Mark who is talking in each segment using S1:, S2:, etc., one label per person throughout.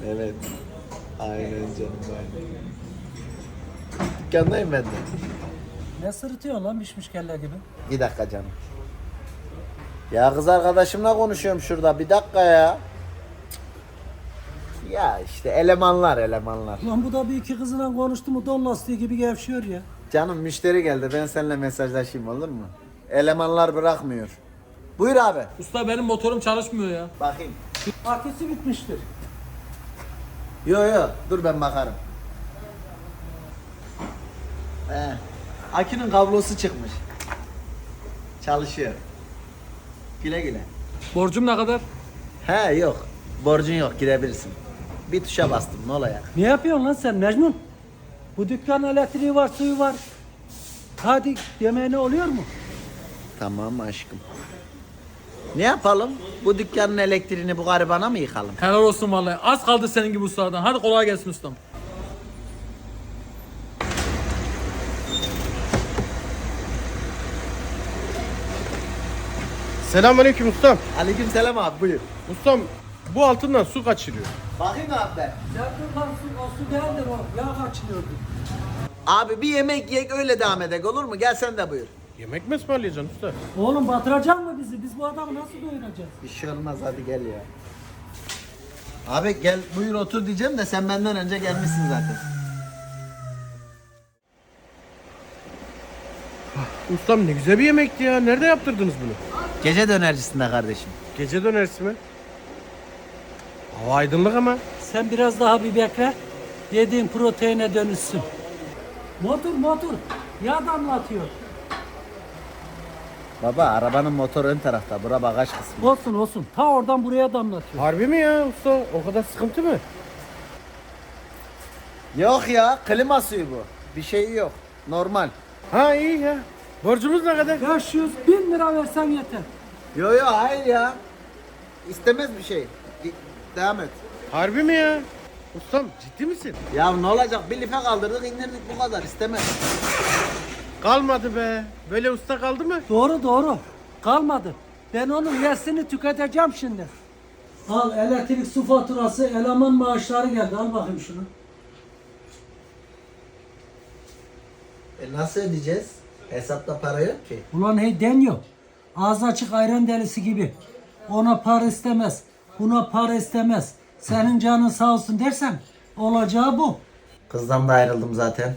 S1: Evet. Aynen canım aynen. Dükkandayım ben de.
S2: Ne sırıtıyorsun lan pişmiş kelle gibi?
S1: Bir dakika canım. Ya kız arkadaşımla konuşuyorum şurada. Bir dakika ya. Ya işte elemanlar.
S2: Lan bu da bir iki kızıyla konuştu mu don lastiği gibi gevşiyor ya.
S1: Canım müşteri geldi. Ben seninle mesajlaşayım olur mu? Elemanlar bırakmıyor. Buyur abi.
S3: Usta benim motorum çalışmıyor ya.
S1: Bakayım.
S2: Aküsü bitmiştir.
S1: Yo dur ben bakarım. Akünün kablosu çıkmış. Çalışıyor. Güle güle.
S3: Borcum ne kadar?
S1: He yok. Borcun yok girebilirsin. Bir tuşa bastım ne olacak?
S2: Ne yapıyorsun lan sen Mecnun? Bu dükkanın elektriği var, suyu var. Hadi yemeğine oluyor mu?
S1: Tamam aşkım. Ne yapalım? Bu dükkanın elektriğini bu garibana mı yıkalım?
S3: Helal olsun vallahi. Az kaldı senin gibi ustalardan. Hadi kolay gelsin ustam.
S4: Selamünaleyküm ustam.
S1: Aleykümselam abi buyur.
S4: Ustam bu altından su kaçırıyor.
S1: Bakayım abi ben.
S2: Ya dur lan o su değildir o. Yağ kaçırıyordu.
S1: Abi bir yemek yiyek öyle devam edek olur mu? Gel sen de buyur.
S4: Yemek mi ısmarlayacaksın usta?
S2: Oğlum batıracak mı bizi? Biz bu adamı nasıl doyuracağız?
S1: Bir şey olmaz hadi gel ya. Abi gel buyur otur diyeceğim de sen benden önce gelmişsin zaten.
S4: Ustam ne güzel bir yemekti ya. Nerede yaptırdınız bunu?
S1: Gece dönercisinde kardeşim.
S4: Gece dönersi mi? Hava aydınlık ama.
S2: Sen biraz daha bir bekle. Yediğin proteine dönüşsün. Motor. Yağ damlatıyor.
S1: Baba arabanın motoru ön tarafta. Bura bagaj kısmı.
S2: Olsun. Ta oradan buraya damlatıyor.
S4: Harbi mi ya usta? O kadar sıkıntı mı?
S1: Yok ya klima suyu bu. Bir şey yok. Normal.
S4: Ha iyi ya. Borcumuz ne kadar?
S2: 500.000 lira versen yeter.
S1: Yo hayır ya. İstemez bir şey. Devam et.
S4: Harbi mi ya? Ustam ciddi misin?
S1: Ya ne olacak? Bir life kaldırdık indirdik bu kadar. İstemez.
S4: Kalmadı be. Böyle usta kaldı mı?
S2: Doğru. Kalmadı. Ben onun yersini tüketeceğim şimdi. Al elektrik su faturası, eleman maaşları geldi. Al bakayım şunu.
S1: Nasıl ödeyeceğiz? Hesapta para yok ki.
S2: Ulan hey deniyor. Ağzı açık ayran delisi gibi. Ona para istemez. Buna para istemez. Senin canın sağ olsun dersen olacağı bu.
S1: Kızdan da ayrıldım zaten.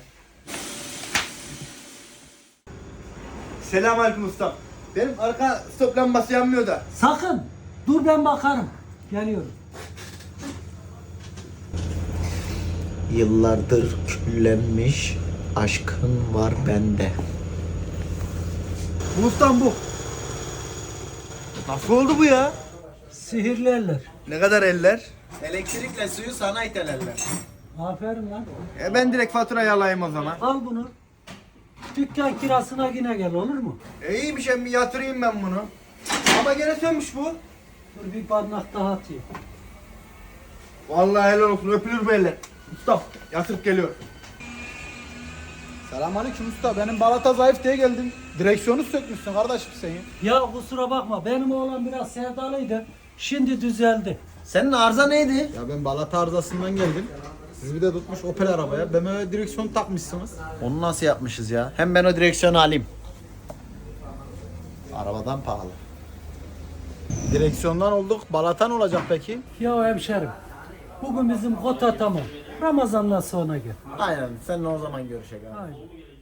S5: Selamünaleyküm ustam. Benim arka stop lambası yanmıyor da.
S2: Sakın. Dur ben bakarım. Geliyorum.
S1: Yıllardır küllenmiş aşkın var bende.
S5: Bu ustam bu. Nasıl oldu bu ya?
S2: Sihirli eller.
S5: Ne kadar eller?
S1: Elektrikle suyu sana itelerler.
S2: Aferin lan.
S5: Ben direkt faturayı alayım o zaman.
S2: Al bunu. Dükkan kirasına yine gel olur mu?
S5: İyiymiş emmi yatırayım ben bunu. Ama gene sönmüş bu.
S2: Dur bir bardak daha atayım.
S5: Vallahi helal olsun öpülür bu eller. Ustam yatırıp geliyor. Selamünaleyküm usta. Benim balata zayıf diye geldim. Direksiyonu sökmüşsün kardeşim sen ya.
S2: Ya kusura bakma benim oğlan biraz sevdalıydı. Şimdi düzeldi.
S1: Senin arıza neydi?
S5: Ya ben balata arızasından geldim. Siz bir de tutmuş Opel arabaya. BMW direksiyon takmışsınız.
S1: Onu nasıl yapmışız ya? Hem ben o direksiyonu alayım. Arabadan pahalı.
S5: Direksiyondan olduk. Balatan olacak peki?
S2: Ya hemşerim. Bugün bizim kota tamam. Ramazan'dan sonra gel.
S1: Aynen seninle o zaman görüşelim.
S2: Aynen.